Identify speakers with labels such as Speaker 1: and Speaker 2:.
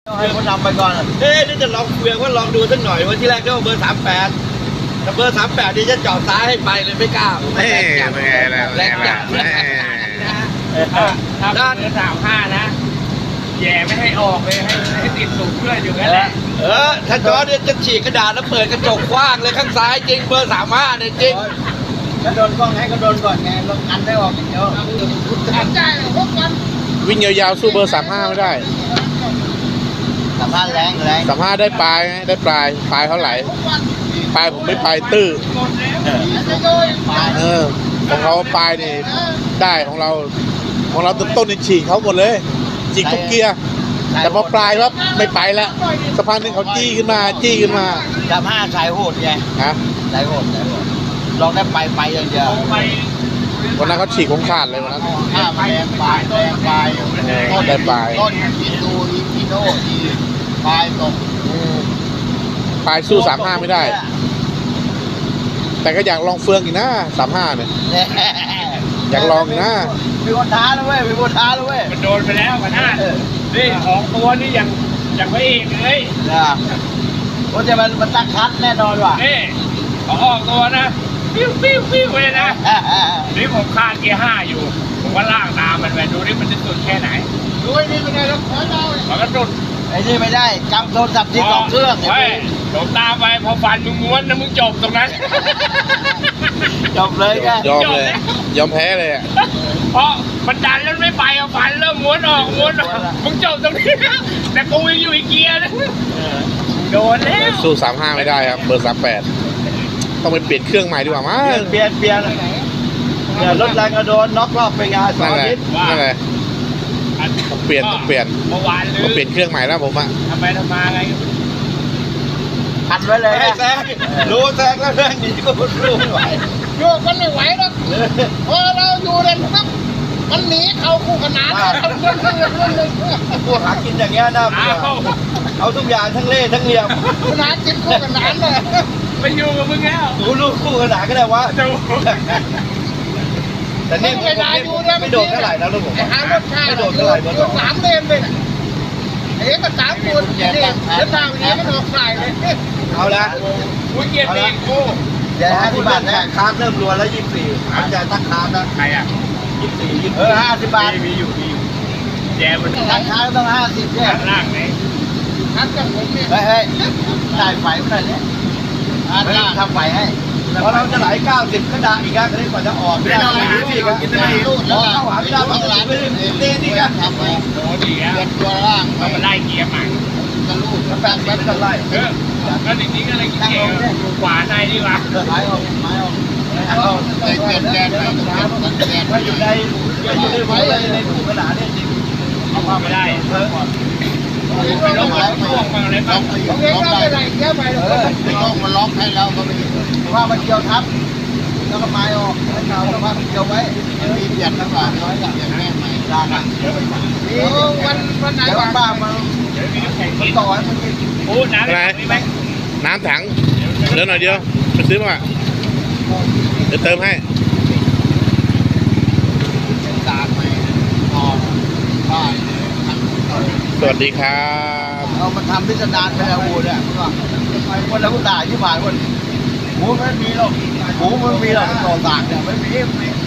Speaker 1: ให้คนนำไปก่อนนี่จะลองคุยว่าลองดูสักหน่อยวันที่แรกก็เบอร์38แต่เบอร์38นี่จะจอดซ้ายให้ไปเลยไม่กล้าไม่แรงจัดแรงจัด
Speaker 2: ถ้าเบอร์35นะแย่ไม่ให้ออกเลยให้ติดสูงเพื่อนอยู่นั่นแหละ
Speaker 1: ถ้าจอเนี่ยจะฉีกกระดาษแล้วเปิดกระจกกว้างเลยข้างซ้ายจริงเบอร์35เนี่ยจริง
Speaker 3: กระโดนกล้องให้กระโดนก่อนไงลงอันได้ออกอย่างเดียว
Speaker 4: วิ่งยาวๆสู้เบอร์35ไม่ได้
Speaker 3: 35แรง
Speaker 4: 35ได้ปลายได้ปลายเขาไหลปลายผมไม่ปลายตื้อของเขาปลายนี่ได้ของเราต้นนี่ฉีกเขาหมดเลยฉีกทุกเกียร์แต่พอปลายครับไม่ไปแล้วสะพานนึงเขาจี้ขึ้นมา
Speaker 3: 35สายโหดไงสายโหดลองได้ไปอย่างเดียว
Speaker 4: วันนั้นเขาฉีกของขาดเลยวันนั้น
Speaker 3: แรงปลาย
Speaker 4: ได้ปลาย
Speaker 3: ต้นอินดูอิโน่ดีปลายตก
Speaker 4: ปลายสู้35ไม่ได้แต่ก็อยากลองเฟืองอีกนะ35เนี่ยอยากลองอีกนะ
Speaker 3: มีคนท้าแล้วเว้ย
Speaker 2: มันโดนไปแล้วกันนะนี่ของตัวนี่อย่างพระเอกเลย
Speaker 3: โอ้จะมันตั้งคัดแน่นอนว่ะ
Speaker 2: นี่เขาออกตัวนะปิ้วเลยนะนี่ผมคาดเกียร์5อยู่ผมก็ล่างตามมันไปดูนี่มันจะสุดแค่ไหน
Speaker 3: ดูนี่เป็นไงแล้วขอเรา
Speaker 2: มันก็สุด
Speaker 3: ไอ้นี่ไม่ได้จำโทรศัพท์ที่2เครื่อง
Speaker 2: โดนตามไปพอฟันมึงม้วนนะมึงจบตรงนั้น
Speaker 3: จบเลยไง
Speaker 4: ยอมแพ้เลย
Speaker 2: เพราะมันดันแล้วไม่ไปเอาฟันเริ่มม้วนออกมึงจบตรงนี้แต่กูยังอยู่อีกเกียร์นะโดนแล้ว
Speaker 4: สู้35ไม่ได้ครับเบอร์38ต้องไปเปลี่ยนเครื่องใหม่ดีกว่ามั้ง
Speaker 3: เปลี่ยนรถแรงกระโดนน็อกรอบไปงาน
Speaker 4: 2 อาทิตย์นั่นแหละต้องเปลี่ยน
Speaker 2: เมื่อวาน
Speaker 4: ต้องเปลี่ยนเครื่องใหม่แล้วผมอะ
Speaker 2: ทำไมไง
Speaker 3: พันไว้เลย
Speaker 1: ให้แซงรู้แซงแล้วเรื่องนี้ก็รู้ไม่ไหว
Speaker 3: โยกมันไม่ไหวหรอกพอเราอยู่เด่นปั๊บมันหนีเขาคู่ขนาน
Speaker 1: พวกหากินอย่างเงี้ยน่าเบื่อเอาทุกอย่างทั้งเล่ทั้งเหลี่ยม
Speaker 3: ขนานกินคู่ขนานเลย
Speaker 2: ไปอยู่กับมึงแล้ว
Speaker 1: ลูกคู่ขนานก็ได้วะแต่นี่ไม่โดดเท่าไหร่นะลูกผม
Speaker 3: ไม่โดดเท่าไหร่เบอร์2 3 เลนเลยไอ้ก็3 คนนี่เดินทางอย่างนี้มันออกสายเลย
Speaker 1: เอาละ
Speaker 2: กูเกียร์ตีกู
Speaker 1: เดี๋ยว50 บาทนะค้าเริ่มรวนแล้ว24อาจจะตั้งค้านะ
Speaker 2: ใครอ่ะ
Speaker 1: 24 50 บาท
Speaker 2: มีอยู่แจมัน
Speaker 3: ตั้งค้าต้อง50เนี่ย
Speaker 2: ล่างไหน
Speaker 3: ทักกับผมเนี่ยเฮ้ยได้ไฟเมื่อไหร่เนี่ยทำไฟให้
Speaker 1: พอเราจะไหล90ก็ด่าอีกอ่ะก็ได้กว่าจะออกไม่ได้อีกอ่ะพอเข้าหาไม่ได้ต้องไหลไปเต้นอีกอ่ะ
Speaker 2: โอ้ดีอ่ะ
Speaker 3: ตัวล่าง
Speaker 2: ต้องมาไล่เกียร์ใหม่
Speaker 3: จะลูก
Speaker 1: แล้วแปดก็ไล่
Speaker 2: ก็จริงๆก็เลยเกียร์ขวาในดีกว่า
Speaker 3: ไม้ออกเปลี่ยนแกน
Speaker 1: ถ้าอยู่ในคู่ขนาดนี้จริง
Speaker 2: เอาเข้าไม่ได้ไม่ต้องมาช่วงมาเลยครับ
Speaker 3: มันล็อกให้เราก็ไม่ว่ามันเกี่ยวทับแล้วก็ไม้ออกให้เราแล้วว่ามันเกี่ยวไว้มีเปลี่ยนทั้งหลายน้อยอย่างแม่ใหม่ด้านวันไหนวันบ้ามาต่อให้มัน
Speaker 2: พูดนะ
Speaker 4: อะไรน้ำถังเดี๋ยวหน่อยเดียวไปซื้อมาเดี๋ยวเติมให้สวัสดีครับ
Speaker 3: เอามาทำพิสดารไปแล้วอูเนี่ยวันแล้วกูด่าที่ผ่านวันหมูไม่มีหรอกหมูไม่มีหรอกต่อต่างเนี่ยไม่มี